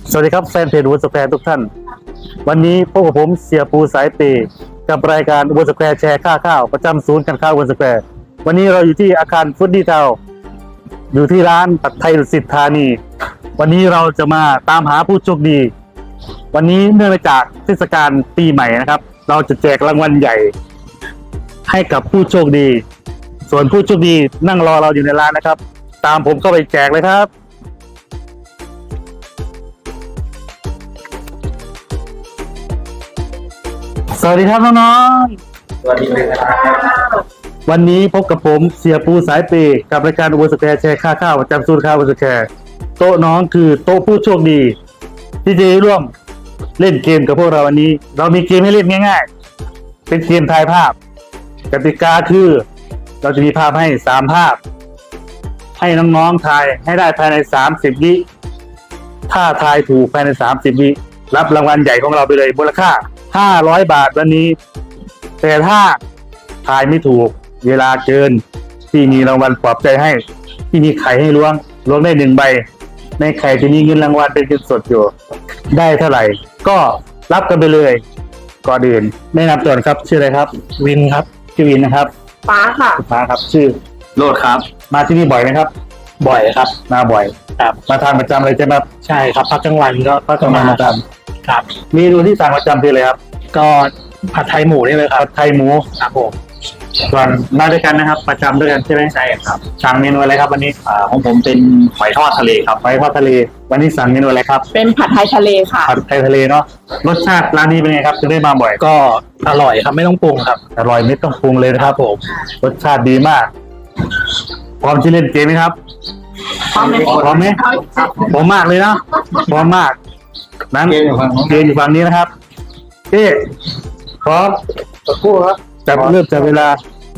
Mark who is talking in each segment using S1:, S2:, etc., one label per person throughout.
S1: สวัสดีครับแฟนเพจวุฒิสแควร์ทุกท่านวันนี้พบกับผมเสียปูสายเปย์กับรายการวุฒิสแควร์แชร์ค่าข้าวประจำศูนย์การค้าวุฒิสแควร์วันนี้เราอยู่ที่อาคารฟุตดี้ทาวน์อยู่ที่ร้านผัดไทยดุสิตธานีวันนี้เราจะมาตามหาผู้โชคดีวันนี้เนื่องจากเทศกาลปีใหม่นะครับเราจะแจกรางวัลใหญ่ให้กับผู้โชคดีส่วนผู้โชคดีนั่งรอเราอยู่ในร้านนะครับตามผมเข้าไปแจกเลยครับสวัสดีครับน้องๆ
S2: สวัสดีครับ
S1: วันนี้พบกับผมเสียปูสายเปย์กับรายการวุฒิสแควร์แชร์ค่าข้าวประจำศูนย์ค้าวุฒิสแควร์โต๊ะน้องคือโต๊ะผู้โชคดีที่จะร่วมเล่นเกมกับพวกเราวันนี้เรามีเกมให้เล่นง่ายๆเป็นเกมทายภาพกติกาคือเราจะมีภาพให้3ภาพให้น้องๆทายให้ได้ภายใน30วิถ้าทายถูกภายใน30วิรับรางวัลใหญ่ของเราไปเลยมูลค่า500 บาทวันนี้แต่ถ้าทายไม่ถูกเวลาเกินที่มีรางวัลปลอบใจให้ที่มีไข่ให้ล้วงได้1 ใบในไข่ที่มีเงินรางวัลเป็นเงินสดอยู่ได้เท่าไหร่ก็รับกันไปเลยก่อนอื่นแนะนำตัวครับชื่ออะไรครับวินครับชื่อวินนะครับ
S3: ฟ้าค่ะ
S1: ฟ้าครับชื่อ
S2: โลดครับ
S1: มาที่นี่บ่อยไหมครับ
S2: บ่อยครับ
S1: มาบ่อย
S2: ครับ
S1: มาทานประจำเลยใช่ไหมครับ
S2: ใช่ครับพักกลางวันก็
S1: มาประจ
S2: ำครับ
S1: เมนูที่สั่งประจำคืออะไรครับ
S2: ก็ผัดไทยหมูนี่เลยครับ
S1: ผัดไทยหมู
S2: ครับผม
S1: ส่วนมาด้วยกันนะครับประจำด้วยกันใช่ไหม
S2: ใช่ครับ
S1: สั่งเมนูอะไรครับวันนี้
S2: ของผมเป็นหอยทอดทะเลครับ
S1: หอยทอดทะเลวันนี้สั่งเมนูอะไรครับ
S3: เป็นผัดไทยทะเลค่ะ
S1: ผัดไทยทะเลเนาะรสชาติร้านนี้เป็นไงครับถึงได้มาบ่อย
S2: ก็อร่อยครับไม่ต้องปรุงครับ
S1: อร่อยไม่ต้องปรุงเลยนะครับผมรสชาติดีมากพร้อมที่เล่นเกมไหมครับพร้อมไหมพร้อมมากเลยนะพร้อมมากนั้นเกมอยู่ฝั่งนี้นะครับพร้อม
S2: สักครู่ครับ
S1: เริ่มจากเวลา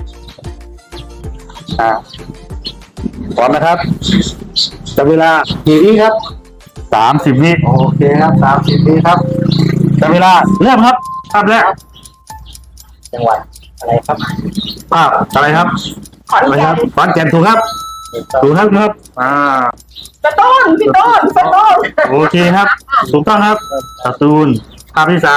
S1: พร้อมนะครับจับเวลากี่วิครับ30 วิ
S2: โอเคครับ30 วิครับ
S1: จับเวลาเริ่มครับภาพแรก
S2: จังหวัดอะไรครับ
S1: ภาพอะไรครับ
S3: ขอนแก่น
S1: ขอนแก่นถูกครับถูกครับ
S3: สตูลพี่ต้นสตูล
S1: โอเคครับถูกต้องครับสตูลภาพที่ 3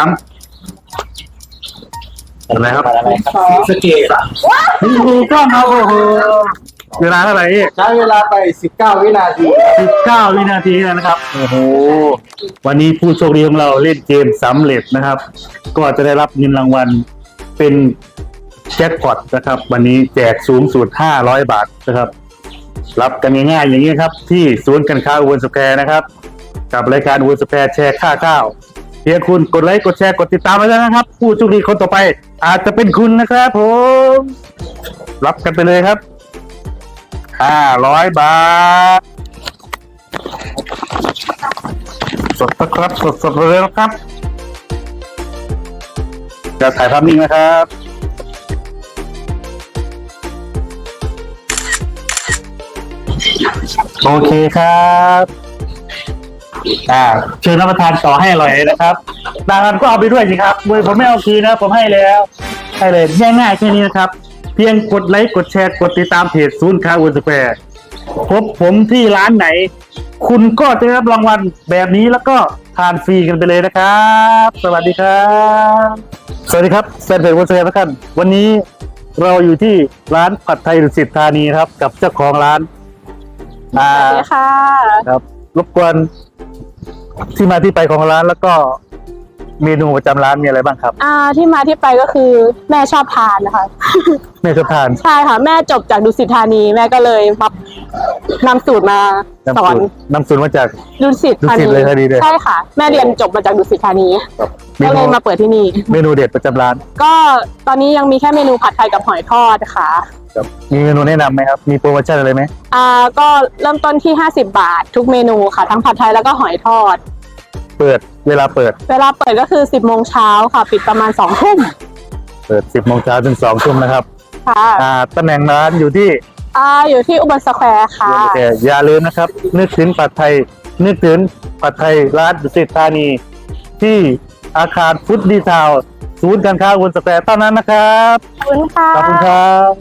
S1: อะไรครับ
S2: สเกต
S1: ถูกต้องครับโอ้โหเวลาเท่าไหร่
S2: ใช้เวลาไป19 วินาที
S1: 19 วินาทีนะครับโอ้โหวันนี้ผู้โชคดีของเราเล่นเกมสำเร็จนะครับก็จะได้รับเงินรางวัลเป็นแจ็คพอตนะครับวันนี้แจกสูงสุด500 บาทนะครับรับกันง่ายๆอย่างนี้ครับที่ศูนย์การค้าวุฒิสแควร์นะครับกับรายการวุฒิสแควร์แชร์ค่าข้าวเพียงคุณกดไลค์กดแชร์กดติดตามไว้แล้วนะครับผู้โชคดีคนต่อไปอาจจะเป็นคุณนะครับผมรับกันไปเลยครับ500 บาทสดนะครับสดเลยนะครับจะถ่ายภาพนิ่งนะครับโอเคครับเชิญรับประทานต่อให้อร่อยนะครับรางวัลก็เอาไปด้วยสิครับผมไม่เอาคืนนะผมให้แล้วให้เลยง่ายๆแค่นี้นะครับเพียงกดไลค์กดแชร์กดติดตามเพจศูนย์ค้าวุฒิสแควร์พบผมที่ร้านไหนคุณก็จะได้รับรางวัลแบบนี้แล้วก็ทานฟรีกันไปเลยนะครับสวัสดีครับสวัสดีครับแฟนเพจวุฒิสแควร์ทุกท่านวันนี้เราอยู่ที่ร้านผัดไทยดุสิตธานีครับกับเจ้าของร้าน
S3: สวัสดีค่ะ
S1: ครับรบกวนที่มาที่ไปของร้านแล้วก็เมนูประจำร้านมีอะไรบ้างครับ
S3: ที่มาที่ไปก็คือแม่ชอบทานนะคะ
S1: แม่ชอบทาน
S3: ใช่ค่ะแม่จบจากดุสิตธานีแม่ก็เลยมานำสูตรมาสอน
S1: นำสูตรมาจาก
S3: ดุสิตธานีใช่ค่ะแม่เรียนจบมาจากดุสิตธานีก็เลยมาเปิดที่นี่
S1: เมนูเด็ดประจำร้าน
S3: ก็ตอนนี้ยังมีแค่เมนูผัดไทยกับหอยทอดค่ะ
S1: มีเมนูแนะนำไหมครับมีโปรโมชั่นอะไรไหม
S3: ก็เริ่มต้นที่50 บาททุกเมนูค่ะทั้งผัดไทยแล้วก็หอยทอด
S1: เวลาเปิด
S3: ก็คือ10 โมงเช้าค่ะปิดประมาณ2 ทุ่ม
S1: เปิด10 โมงเช้าถึง2 ทุ่มนะครับ
S3: ค่ะ
S1: ตำแหน่งร้านอยู่ที่
S3: อุบลสแควร์ค่ะ
S1: อย่าลืมนะครับนึกถึงผัดไทยร้านดุสิตธานีที่อาคารฟุตดี้ทาวน์ศูนย์การค้าวุฒิสแควร์เท่านั้นนะครับ
S3: ขอบคุณค่ะ
S1: ขอบคุณครับ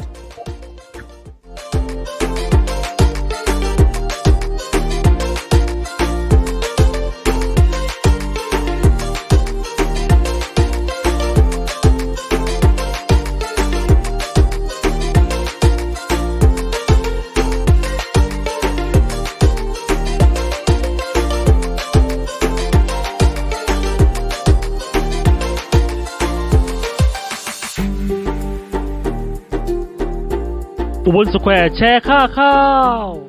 S1: อุบลสแควร์แชร์ค่าข้าว